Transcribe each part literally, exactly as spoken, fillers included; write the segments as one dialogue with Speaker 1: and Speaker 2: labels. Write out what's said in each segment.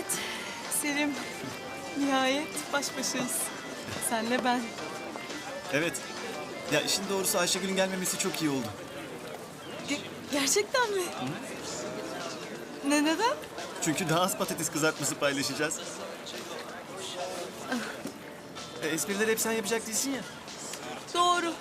Speaker 1: Evet Selim. Nihayet baş başayız. Senle ben.
Speaker 2: Evet. Ya işin doğrusu Ayşegül'ün gelmemesi çok iyi oldu.
Speaker 1: Ge- gerçekten mi? Ne neden?
Speaker 2: Çünkü daha az patates kızartması paylaşacağız. E, esprileri hep sen yapacak değilsin ya.
Speaker 1: Doğru.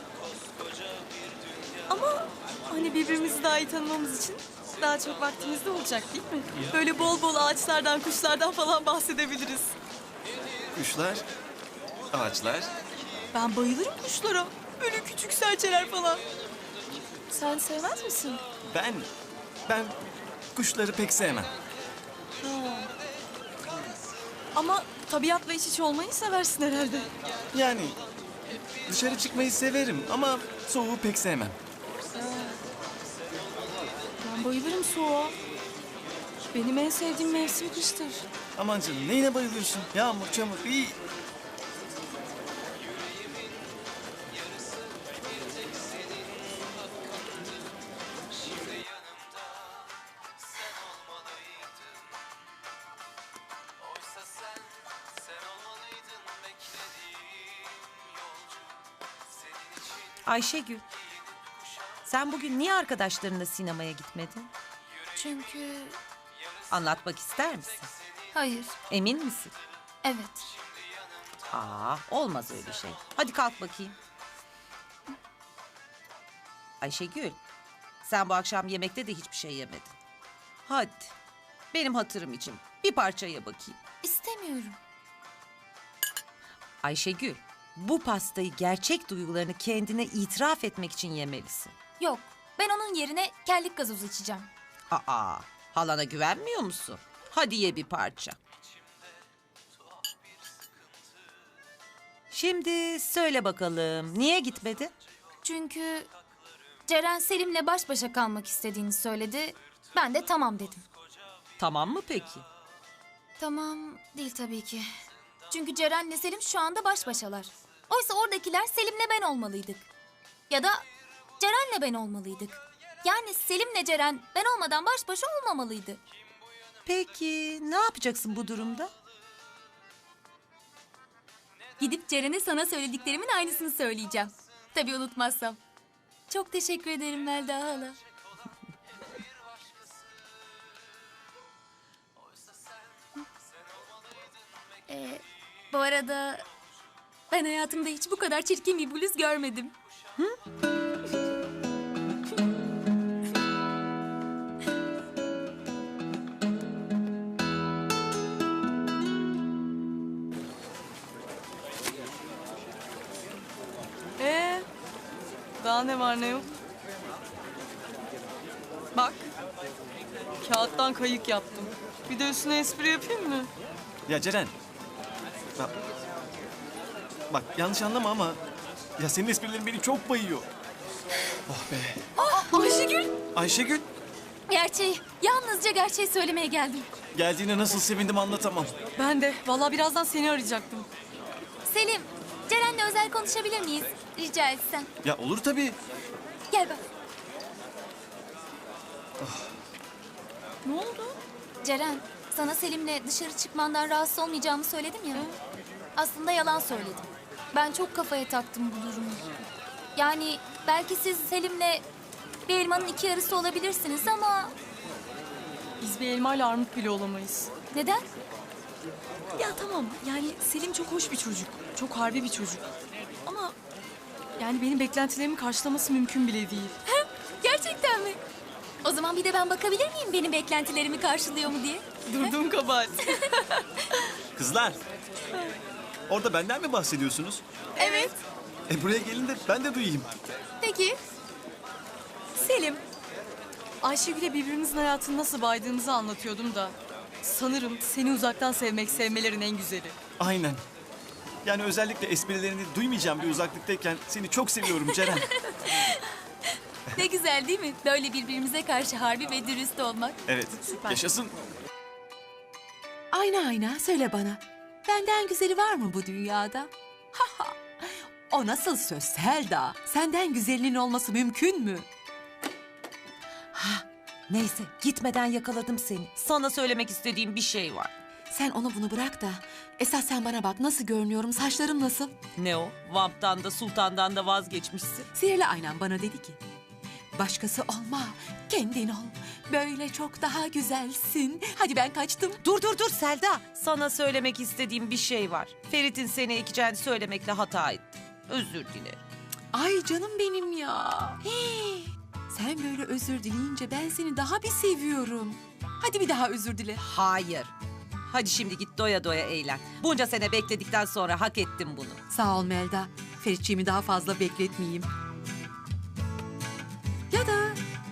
Speaker 1: Ama hani birbirimizi daha iyi tanımamız için daha çok vaktimiz de olacak değil mi? Böyle bol bol ağaçlardan, kuşlardan falan bahsedebiliriz.
Speaker 2: Kuşlar, ağaçlar.
Speaker 1: Ben bayılırım kuşlara. Böyle küçük serçeler falan. Sen sevmez misin?
Speaker 2: Ben, ben kuşları pek sevmem.
Speaker 1: Ama tabiatla iç içe olmayı seversin herhalde.
Speaker 2: Yani dışarı çıkmayı severim ama soğuğu pek sevmem.
Speaker 1: Ben bayılırım soğuğa. Benim en sevdiğim mevsim kıştır.
Speaker 2: Aman canım neyine bayılıyorsun? Yağmur, çamur, iyi.
Speaker 3: Ayşegül, sen bugün niye arkadaşlarınla sinemaya gitmedin?
Speaker 4: Çünkü...
Speaker 3: Anlatmak ister misin?
Speaker 4: Hayır,
Speaker 3: Emin misin?
Speaker 4: evet.
Speaker 3: Aa, olmaz öyle şey. Hadi kalk bakayım. Ayşegül, sen bu akşam yemekte de hiçbir şey yemedin. Hadi, benim hatırım için bir parça ye bakayım.
Speaker 4: İstemiyorum.
Speaker 3: Ayşegül, bu pastayı gerçek duygularını kendine itiraf etmek için yemelisin.
Speaker 4: Yok, ben onun yerine kellik gazozu içeceğim.
Speaker 3: Aa, halana güvenmiyor musun? Hadi ye bir parça. Şimdi söyle bakalım, niye gitmedin?
Speaker 4: Çünkü Ceren Selim'le baş başa kalmak istediğini söyledi. Ben de tamam dedim.
Speaker 3: Tamam mı peki?
Speaker 4: Tamam değil tabii ki. Çünkü Ceren'le Selim şu anda baş başalar. Oysa oradakiler Selim'le ben olmalıydık. Ya da Ceren'le ben olmalıydık. Yani Selim'le Ceren ben olmadan baş başa olmamalıydı.
Speaker 3: Peki ne yapacaksın bu durumda?
Speaker 4: Gidip Ceren'e sana söylediklerimin aynısını söyleyeceğim. Tabii unutmazsam. Çok teşekkür ederim Melda hala. Ee, bu arada ben hayatımda hiç bu kadar çirkin bir bluz görmedim.
Speaker 1: Ee, daha ne var ne yok? Bak, kağıttan kayık yaptım. Bir de üstüne espri yapayım mı?
Speaker 2: Ya Ceren. Bak, bak yanlış anlama ama ya senin esprilerin beni çok bayıyor. Oh be.
Speaker 4: Aa, Ayşegül!
Speaker 2: Ayşegül
Speaker 4: Gerçeği, yalnızca gerçeği söylemeye geldim.
Speaker 2: geldiğine nasıl sevindim anlatamam.
Speaker 1: Ben de. Vallahi birazdan seni arayacaktım.
Speaker 4: Selim, Ceren'le özel konuşabilir miyiz? Rica etsen.
Speaker 2: Ya olur tabii.
Speaker 4: Gel bak.
Speaker 1: Ne oldu?
Speaker 4: Ceren, sana Selim'le dışarı çıkmandan rahatsız olmayacağımı söyledim ya. Aslında yalan söyledim. Ben çok kafaya taktım bu durumu. Yani belki siz Selim'le bir elmanın iki yarısı olabilirsiniz ama...
Speaker 1: Biz bir elmayla armut bile olamayız.
Speaker 4: Neden?
Speaker 1: Ya tamam, yani Selim çok hoş bir çocuk. Çok harbi bir çocuk. Ama yani benim beklentilerimi karşılaması mümkün bile değil.
Speaker 4: Gerçekten mi? O zaman bir de ben bakabilir miyim benim beklentilerimi karşılıyor mu diye?
Speaker 1: Durduğum kabahat.
Speaker 2: Kızlar. Orada benden mi bahsediyorsunuz?
Speaker 1: Evet.
Speaker 2: E buraya gelin de ben de duyayım.
Speaker 4: Peki.
Speaker 1: Selim, Ayşegül'e birbirimizin hayatını nasıl baydığımızı anlatıyordum da... Sanırım seni uzaktan sevmek sevmelerin en güzeli.
Speaker 2: Aynen. Yani özellikle esprilerini duymayacağım bir uzaklıktayken seni çok seviyorum Ceren.
Speaker 4: Ne güzel değil mi? Böyle birbirimize karşı harbi ve dürüst olmak.
Speaker 2: Evet.
Speaker 1: Süper.
Speaker 2: Yaşasın.
Speaker 5: Ayna ayna söyle bana. Benden güzeli var mı bu dünyada? Ha ha. O nasıl söz Selda? Senden güzelinin olması mümkün mü?
Speaker 3: Ha, neyse gitmeden yakaladım seni. Sana söylemek istediğim bir şey var.
Speaker 5: Sen onu bunu bırak da esas sen bana bak, nasıl görünüyorum, saçlarım nasıl?
Speaker 3: Ne o? Vamp'tan da sultandan da vazgeçmişsin.
Speaker 5: Sihirli aynam bana dedi ki, başkası olma, kendin ol. Böyle çok daha güzelsin. Hadi ben kaçtım.
Speaker 3: Dur dur dur Selda. Sana söylemek istediğim bir şey var. Ferit'in seni ekeceğini söylemekle hata ettim. Özür dilerim.
Speaker 5: Ay canım benim ya. Hii. Sen böyle özür dileyince ben seni daha bir seviyorum. Hadi bir daha özür dile.
Speaker 3: Hayır. Hadi şimdi git doya doya eğlen. Bunca sene bekledikten sonra hak ettim bunu.
Speaker 5: Sağ ol Melda. Feritçiğimi daha fazla bekletmeyeyim. Ya da...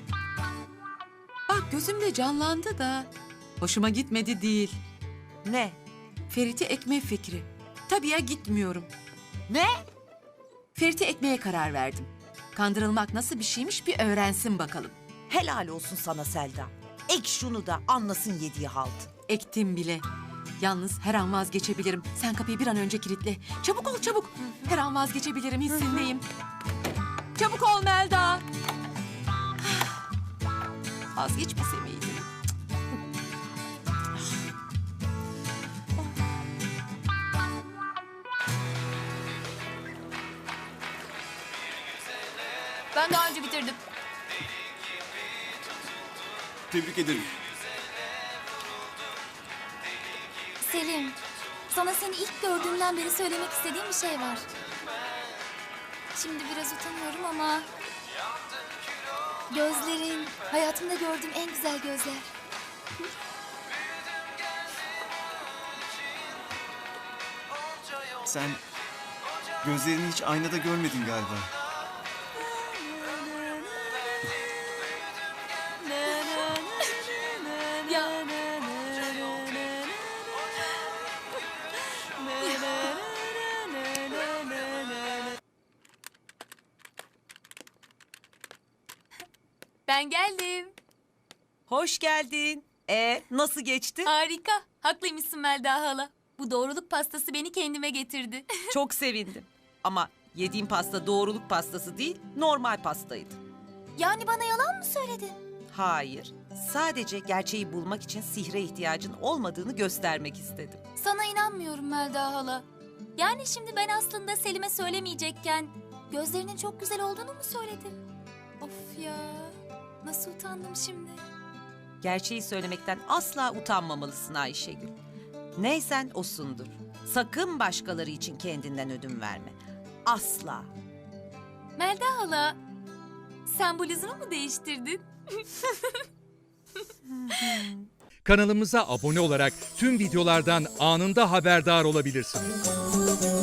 Speaker 5: Bak gözümde canlandı da... Hoşuma gitmedi değil.
Speaker 3: Ne?
Speaker 5: Ferit'i ekme fikri. Tabii ya, gitmiyorum.
Speaker 3: Ne?
Speaker 5: Ferit'i ekmeye karar verdim. Kandırılmak nasıl bir şeymiş bir öğrensin bakalım.
Speaker 3: Helal olsun sana Selda. Ek şunu da anlasın yediği halt.
Speaker 5: Ektim bile. Yalnız her an vazgeçebilirim. Sen kapıyı bir an önce kilitle. Çabuk ol çabuk. Her an vazgeçebilirim, hissindeyim. Çabuk ol Melda. Vazgeçmese miydim?
Speaker 4: Ben daha önce bitirdim.
Speaker 2: Tebrik ederim.
Speaker 4: Selim, sana seni ilk gördüğümden beri söylemek istediğim bir şey var. Şimdi biraz utanıyorum ama... Gözlerin, hayatımda gördüğüm en güzel gözler.
Speaker 2: Sen gözlerini hiç aynada görmedin galiba.
Speaker 4: Ya, ben geldim.
Speaker 3: Hoş geldin. E nasıl geçti?
Speaker 4: Harika. Haklıymışsın Melda hala. Bu doğruluk pastası beni kendime getirdi.
Speaker 3: Çok sevindim. Ama yediğim pasta doğruluk pastası değil, normal pastaydı.
Speaker 4: Yani bana yalan mı söyledin?
Speaker 3: Hayır. Sadece gerçeği bulmak için sihre ihtiyacın olmadığını göstermek istedim.
Speaker 4: Sana inanmıyorum Melda hala. Yani şimdi ben aslında Selim'e söylemeyecekken gözlerinin çok güzel olduğunu mu söyledim? Of ya. Nasıl utandım şimdi.
Speaker 3: Gerçeği söylemekten asla utanmamalısın Ayşegül. Neysen osundur. Sakın başkaları için kendinden ödün verme. Asla.
Speaker 4: Melda hala, sen bluzunu mu değiştirdin?
Speaker 6: Kanalımıza abone olarak tüm videolardan anında haberdar olabilirsiniz.